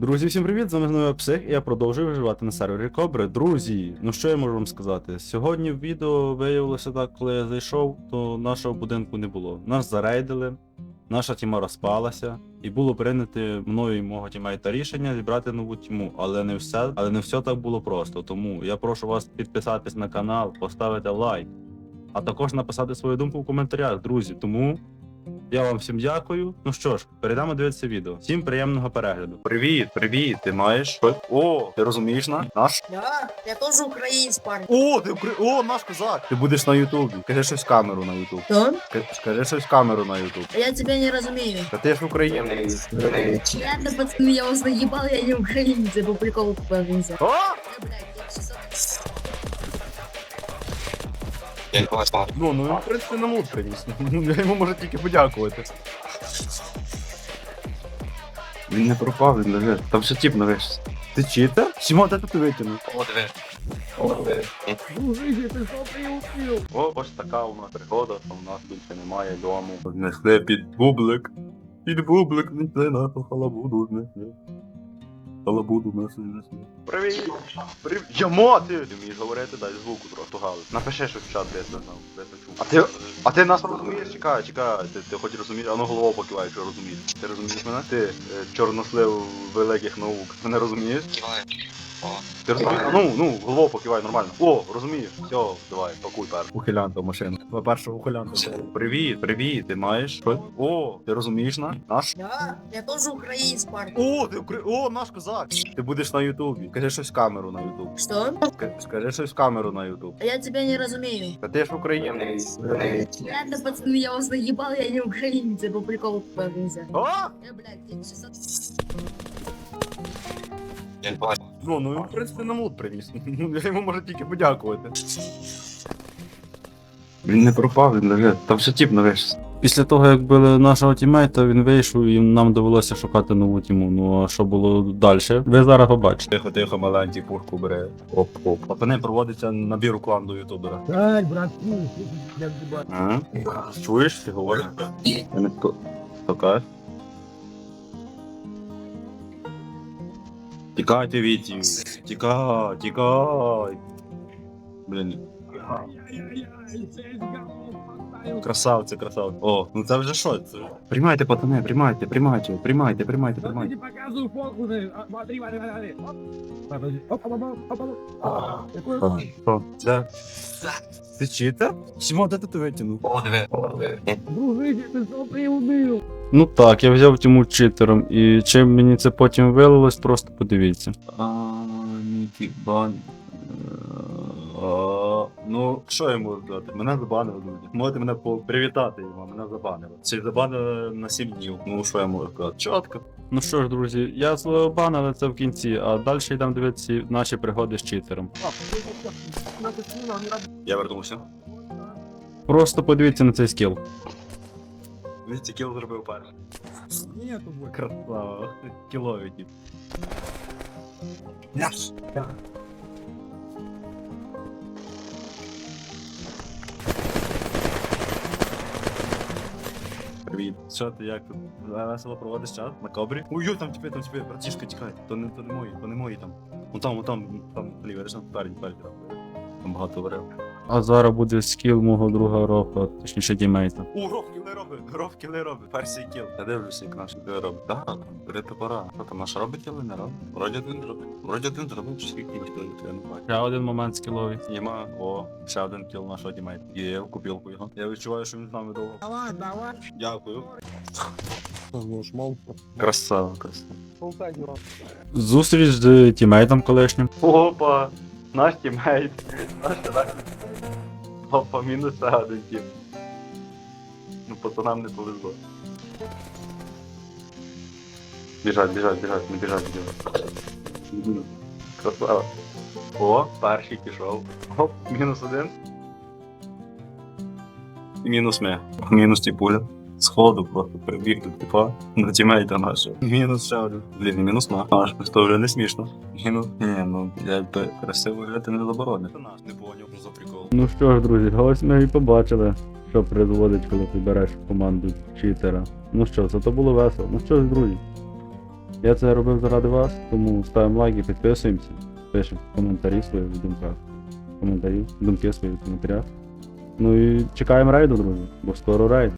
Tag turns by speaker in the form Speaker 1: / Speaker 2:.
Speaker 1: Друзі, всім привіт! З вами знову Псих, і я продовжую виживати на сервері Кобри. Друзі, ну що я можу вам сказати? Сьогодні в відео виявилося так, коли я зайшов, то нашого будинку не було. Нас зарейдили, наша тіма розпалася, і було прийнято мною і мого тімейта рішення зібрати нову тіму. Але не все так було просто. Тому я прошу вас підписатись на канал, поставити лайк, а також написати свою думку в коментарях, друзі. Тому я вам всім дякую. Ну що ж, перейдемо дивитися відео. Всім приємного перегляду. Привіт, ти маєш? О, ти розумієш наш?
Speaker 2: Да, я тоже украинец, парень.
Speaker 1: О, наш козак! Ти будеш на Ютубі. Кажи щось в камеру на Ютуб.
Speaker 2: Что?
Speaker 1: Скажи щось в камеру на Ютуб.
Speaker 2: Я тебя не разумею.
Speaker 1: Та ти ж українець.
Speaker 2: Ладно, пацаны, я вас наебал, я не украинец, я по приколу попался.
Speaker 1: О!
Speaker 2: Блядь, я сейчас...
Speaker 1: Ну, в принципі, на мут приніс. Я йому можу тільки подякувати. Він не пропав, він лежить. Там ще тіп навешся. Ти читер? Сімо, де ти витягнув? О, ось така у нас пригода, що у нас більше немає дому. Знесли під бублик. Під бублик знесли нашу халабуду, знесли. Халабуду знесли. Привіт! Ямо, ти вмієш говорити, дай звуку трохи галить. Напиши щось в чат, де я це знав. А ти нас розумієш? Чекай, ти хоч розумієш, а ну голову покивай, якщо розумієш. Ти розумієш мене? Ти чорнослив великих наук. Мене розумієш? Ти розумієш? Ну, голову покивай нормально. О, розумієш? Все, давай, пакуй першу. Ухилянта в машину. Першого ухилянта. Привіт, ти маєш? О, ти розумієш наш?
Speaker 2: Да, я тоже украинец, парень.
Speaker 1: О, наш козак! Ти будеш на Ютубі. Кажи щось в камеру на Ютуб.
Speaker 2: Что?
Speaker 1: Скажи щось в камеру на Ютуб.
Speaker 2: Я тебя не разумею.
Speaker 1: Та ти ж українець.
Speaker 2: Ладно, пацаны, я вас наебал, я не украинец, я по приколу попался.
Speaker 1: О!
Speaker 2: Блядь, я сейчас...
Speaker 1: Ну, в принципі, на мут приніс. Я йому можу тільки подякувати. Він не пропав, він лежить. Там ще тіп навешся. Після того, як били нашого тімейта, він вийшов і нам довелося шукати нову тіму. Ну а що було далі? Ви зараз побачите. Тихо, маленький пушку бере. Оп. Пацани, проводиться набір у клан до ютубера.
Speaker 2: Ай, братку, я
Speaker 1: Чуєш, ти говориш? Я не така. Тікайте, Віті. Тікай. Блін. Красавці. О, ну це вже що? Це? Приймайте, пацани, приймайте.
Speaker 3: Не показывай фокусы. Смотри.
Speaker 1: Що? Це? Ти читер? Сімо, де ти витягнув?
Speaker 3: Дружище, ты что приуныл?
Speaker 1: Ну так, я взяв тіму читером, і чим мені це потім вилилось, просто подивіться. Ну, що я можу дати? Мене забанили, друзі. Можете мене привітати йому, мене забанили. Це забанили на 7 днів. Ну, що я можу сказати? Чітко. Ну що ж, друзі, я свого банили це в кінці, а далі йдемо дивитися наші пригоди з читером. Я вернувся. Просто подивіться на цей скіл. Він цей кіл зробив перший.
Speaker 3: Нету больше.
Speaker 1: Красава. Кілові тип. Привіт. Що ти, як тут? Весело проводиш час на кобрі? Ой, там тебе, братішка, тікай. То не мої там. Вон там, ліве, видиш, там спереді. Там багато варив. А зараз буде скіл мого друга Рофа, точніше тімейта. О, Роф кіли робить. Перший кіл. Я дивлюся, як наш кіли робить. Так, берете пора. Що там, наш робить кіли, не робить? Вроді один зробив, чи скільки кілів, я не бачу. Ще один момент скіловий. Нема. О, ще один кіл нашого тімейта. Є в купілку його. Я відчуваю, що він з нами довго.
Speaker 3: Давай.
Speaker 1: Дякую.
Speaker 3: Нажмал.
Speaker 1: Красава.
Speaker 3: Полтать его.
Speaker 1: Зустріч з тімейтом колишнім. Опа, наш тімейт. Опа, мінус один тім. Ну, пацанам не повезло. Біжать, не біжать. Красава. О, перший пішов. Оп, мінус один. І мінус ми. Мінус ті пуля. Сходу просто прибіг до типа на тімейта нашого. Мінус ще один. Блін, і мінус наш. То вже не смішно. Мінус. Ні, ну я красиво грати не заборонив. Це наш, не поняв, що за прикол. Ну що ж, друзі, ось ми і побачили, що призводить, коли ти береш команду читера. Ну що, це то було весело. Ну що ж, друзі. Я це робив заради вас, тому ставимо лайки, підписуємося, пишемо коментарі свої в думках. Коментарі, думки свої в коментарях. Ну і чекаємо рейду, друзі, бо скоро рейд.